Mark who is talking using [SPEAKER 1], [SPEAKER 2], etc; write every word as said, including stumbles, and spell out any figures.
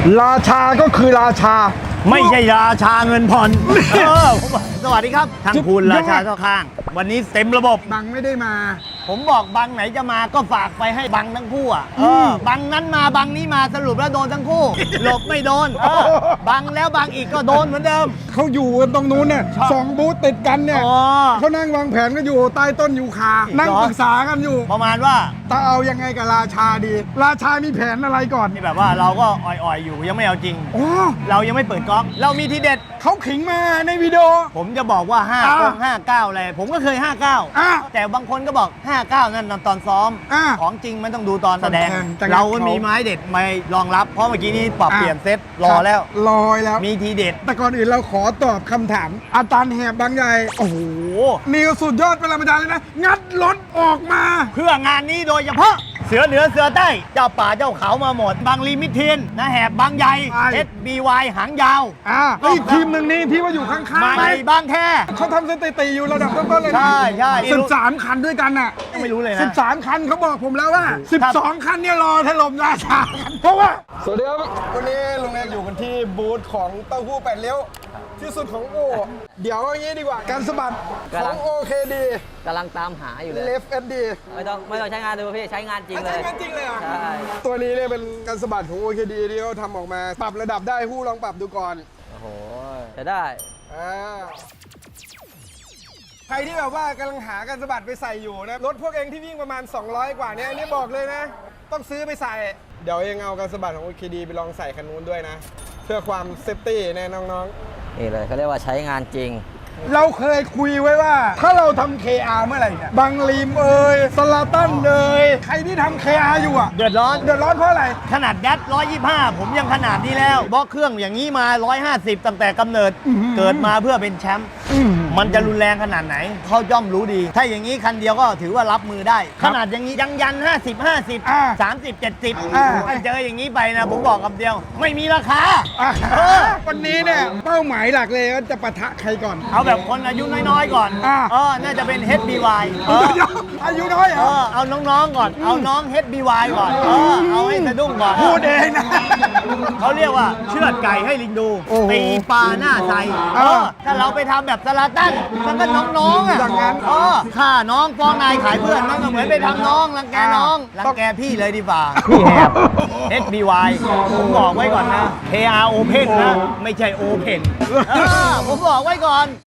[SPEAKER 1] ราชาก็คือราชา
[SPEAKER 2] ไม่ใช่ราชาเงินผ่อนเออผมบอกสวัสดีครับทางคุณราชาเข้าข้างวันนี้เต็มระบบ
[SPEAKER 1] บังไม่ได้มา
[SPEAKER 2] ผมบอกบังไหนจะมาก็ฝากไปให้บังทั้งคู่อ่ะเออบังนั้นมาบังนี้มาสรุปแล้วโดนทั้งคู่ หลบไม่โดนเออบังแล้วบังอีกก็โดนเหมือนเดิม
[SPEAKER 1] เขาอยู่กันตรงนู้นเนี่ยสองบูธติดกันเนี่ย
[SPEAKER 2] อ๋อ
[SPEAKER 1] เขานั่งวางแผนกันอยู่ใต้ต้นยูคา นั่งปรึกษากันอยู่
[SPEAKER 2] ประมาณว่า
[SPEAKER 1] จะเอายังไงกับราชาดี ราชามีแผนอะไรก่อน
[SPEAKER 2] นี่แบบว่าเราก็อ่อยๆอยู่ยังไม่เอาจริง
[SPEAKER 1] โอ้
[SPEAKER 2] เรายังไม่เปิดก๊อกเรามีทีเด็ด
[SPEAKER 1] เขาขิงมาในวิดีโอ
[SPEAKER 2] ผมจะบอกว่า5
[SPEAKER 1] อ่า
[SPEAKER 2] ห้าเก้าอะไรผมก็เคย ห้าเก้า
[SPEAKER 1] อ่า
[SPEAKER 2] แต่บางคนก็บอก ห้าเก้า นั่นตอนซ้อม
[SPEAKER 1] อ่า
[SPEAKER 2] ของจริงมันต้องดูตอนแสดง
[SPEAKER 1] ตอนแสดงจะงัด
[SPEAKER 2] เราก็
[SPEAKER 1] เขามี
[SPEAKER 2] มีไม้เด็ดมารองรับ เพราะเมื่อกี้นี้ปรับ
[SPEAKER 1] อ่ะ
[SPEAKER 2] เปลี่ยนเซตรอแล้ว
[SPEAKER 1] ลอยแล้ว
[SPEAKER 2] มีทีเด็ด
[SPEAKER 1] แต่ก่อนอื่นเราขอตอบคำถาม อาจารย์แหบบางใหญ่
[SPEAKER 2] โอ้โห
[SPEAKER 1] นิวสุดยอดเป็นปรมาจารย์เลยนะ งัดรถออกมา
[SPEAKER 2] เพื่องานนี้โดยเฉพาะเสือเหนือเสือใต้ เจ้าป่าเจ้าเขามาหมด บางลีมิเทียนนะแหบบางใหญ่
[SPEAKER 1] ใช่
[SPEAKER 2] เอสบีวายหางยาว
[SPEAKER 1] อ่าแล้วอีกทีมหนึ่งนี่ที่ว่าอยู่ข้างๆ
[SPEAKER 2] ไม่บางแค่
[SPEAKER 1] เขาทำสถิติอยู่ระดับต้นๆเลยนะ
[SPEAKER 2] ใช่ใช่
[SPEAKER 1] สิบสามคันด้วยกันน่ะ
[SPEAKER 2] ไม่รู้เลยนะ
[SPEAKER 1] สิบสามคันเขาบอกผมแล้วว่าสิบสองคันเนี่ยรอถล่มราชากันเพราะว่า สวัสดีครับ วันนี้ลุงเอกอยู่กันที่บูธของเต้าหู้แปดเลี้ยวที่สุดของโอ เดี๋ยวอย่างนี้ดีกว่า การสะบัดของ โอ เค ดี
[SPEAKER 3] กำลังตามหาอยู่เลย
[SPEAKER 1] Left เอส ดี
[SPEAKER 3] ไม่ต้องไม่ต้องใช้งานดูพี่ใช้งานจริงเลย
[SPEAKER 1] ใช้งานจริงเลยเหรอ
[SPEAKER 3] ใช่
[SPEAKER 1] ตัวนี้เนี่ยเป็นการสะบัดของ โอ เค ดี ที่เขาทำออกมา ปรับระดับได้หู้ลองปรับดูก่อน
[SPEAKER 3] โอ้โหจะได้
[SPEAKER 1] อ่าใครที่แบบว่ากำลังหาการสะบัดไปใส่อยู่นะ รถพวกเองที่วิ่งประมาณ สองร้อย กว่าเนี้อันนี้บอกเลยนะ ต้องซื้อไปใส่ เดี๋ยวเองเอาการสะบัดของ โอ เค ดี ไปลองใส่คันนู้นด้วยนะ เพื่อความเซฟตี้แน่น้องๆ
[SPEAKER 3] นี่เลยเขาเรียกว่าใช้งานจริง
[SPEAKER 1] เราเคยคุยไว้ว่า ถ้าเราทำ เค อาร์ เมื่อไหร่เนี่ยบังลีมเอ่ยสลาตันเอ่ยใครที่ทำ เค อาร์ อยู่อ่ะ
[SPEAKER 2] เดือดร้อน
[SPEAKER 1] เดือดร้อนเพราะอะไร
[SPEAKER 2] ขนาดแดดหนึ่งร้อยยี่สิบห้า ผมยังขนาดนี้แล้วบล็อกเครื่องอย่างนี้มา หนึ่งร้อยห้าสิบ ตั้งแต่กำเนิด
[SPEAKER 1] อื้อหือ
[SPEAKER 2] เกิดมาเพื่อเป็นแชมป์
[SPEAKER 1] อืม
[SPEAKER 2] มันจะรุนแรงขนาดไหน เขาย่อมรู้ดี ถ้าอย่างนี้คันเดียวก็ถือว่ารับมือได้
[SPEAKER 1] ครั
[SPEAKER 2] ข
[SPEAKER 1] บ
[SPEAKER 2] นาดอย่างนี้ยังยัน ห้าสิบ ห้าสิบ
[SPEAKER 1] อ่า
[SPEAKER 2] สามสิบ เจ็ดสิบ
[SPEAKER 1] อ่า
[SPEAKER 2] ถ้าเจออย่างนี้ไปนะ ผมบอกคำเดียว ไม่มีราคา
[SPEAKER 1] อ่ะ
[SPEAKER 2] เออ
[SPEAKER 1] วันนี้เนี่ยเป้าหมายหลักเลยว่าจะปะทะใครก่อน
[SPEAKER 2] เอาแบบคนอายุน้อยๆก่อน
[SPEAKER 1] อ่า
[SPEAKER 2] เออ น่าจะเป็น เอช บี วาย เออ
[SPEAKER 1] อายุน้อยเหร
[SPEAKER 2] เอ
[SPEAKER 1] อ
[SPEAKER 2] อ เอาน้องๆก่อน เอาน้อง เอช บี วาย ก่อน เออ เอาให้สะดุ้งก่อน
[SPEAKER 1] พูดเองนะ
[SPEAKER 2] เขาเรียกว่าเชือดไก่ให้ลิงดู
[SPEAKER 1] โอ้โห
[SPEAKER 2] ตีปลาหน้าใส
[SPEAKER 1] เอ
[SPEAKER 2] เอ
[SPEAKER 1] อ
[SPEAKER 2] อ ถ้าเราไปทำแบบสลาตันมันก็น้องๆอ่ะ
[SPEAKER 1] อย่างนั้น
[SPEAKER 2] เออฆ่าน้องฟ้องนายขายเพื่อนมันก็เหมือนไปทำน้องรังแกน้องรังแกพี่เลยดีกว่าพี่แหบ เอส บี วาย ผมบอกไว้ก่อนนะ เค อาร์ Open นะ ไม่ใช่ Open เออผมบอกไว้ก่อน